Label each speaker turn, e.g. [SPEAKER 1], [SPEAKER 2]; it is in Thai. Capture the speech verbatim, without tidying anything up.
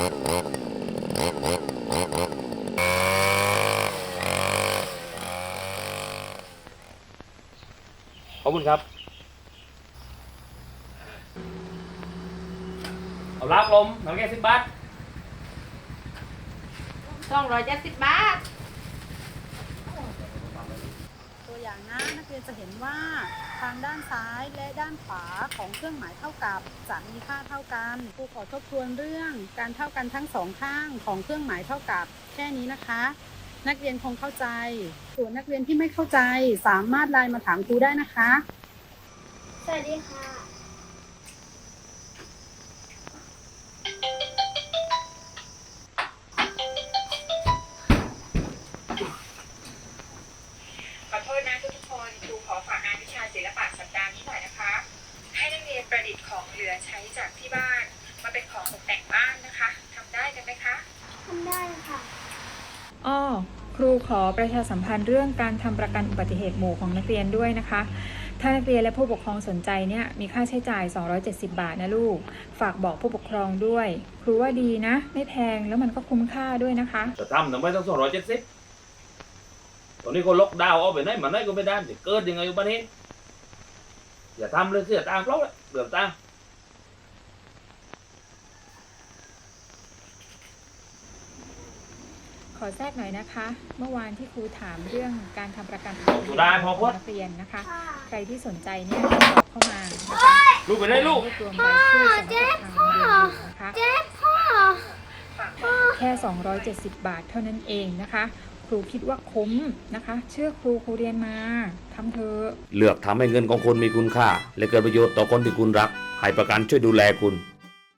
[SPEAKER 1] ขอบคุณครับเอาลาบลมหนังแก่สิบบาท
[SPEAKER 2] สองร้อยเจ็ดสิบบาท
[SPEAKER 3] ตัวอย่างนะนักเรียนจะเห็นว่าทางด้านซ้ายและด้านขวาของเครื่องหมายเท่ากับจะมีค่าเท่ากันครูขอทบทวนเรื่องการเท่ากันทั้งสองข้างของเครื่องหมายเท่ากับแค่นี้นะคะนักเรียนคงเข้าใจส่วนนักเรียนที่ไม่เข้าใจสามารถไลน์มาถามครูได้นะคะ
[SPEAKER 2] สวัสดีค่ะ
[SPEAKER 4] ขอโทษนะทุกคนครูขอฝากงานวิชาศิลปะสัปดาห์นี้หน่อยนะคะให้นักเรียนประดิษฐ์ของเหลือใช้จากที่บ้านมาเป็นของตกแต่งบ้านนะคะทำได้กันไหมคะ
[SPEAKER 2] ทำได้ค่ะ
[SPEAKER 5] อ้อครูขอประชาสัมพันธ์เรื่องการทำประกันอุบัติเหตุหมู่ของนักเรียนด้วยนะคะถ้านักเรียนและผู้ปกครองสนใจเนี่ยมีค่าใช้จ่ายสองร้อยเจ็ดสิบบาทนะลูกฝากบอกผู้ปกครองด้วยครูว่าดีนะไม่แพงแล้วมันก็คุ้มค่าด้วยนะคะ
[SPEAKER 1] จะทำทำไมต้องสองร้อยเจ็ดสิบตอนนี้คนล็อกดาวน์เอาไปไหนมาไหนก็ไม่ได้จะเกิดยังไงอยู่บ้านนี้อย่าทำเลยเสียตังค์เปล่าเลยเดือดตังค์
[SPEAKER 5] ขอแทรกหน่อยนะคะเมื่อวานที่ครูถามเรื่องการทำประกัน
[SPEAKER 1] สุดาพอพูด
[SPEAKER 5] นักเรียนนะคะใครที่สนใจเนี่ยติดต่อเข้ามานะคะ
[SPEAKER 1] ลูกไปได้ลูก
[SPEAKER 5] รวบรวมรายชื่อสำหรับทางเรียนอยู่นะคะแค่สองร้อยเจ็ดสิบบาทเท่านั้นเองนะคะครูคิดว่าคุ้มนะคะเชื่อครูครูเรียนมาทำเถอะ
[SPEAKER 1] เลือกทำให้เงินของคุณมีคุณค่าและเกิดประโยชน์ต่อคนที่คุณรักให้ประกันช่วยดูแลคุณ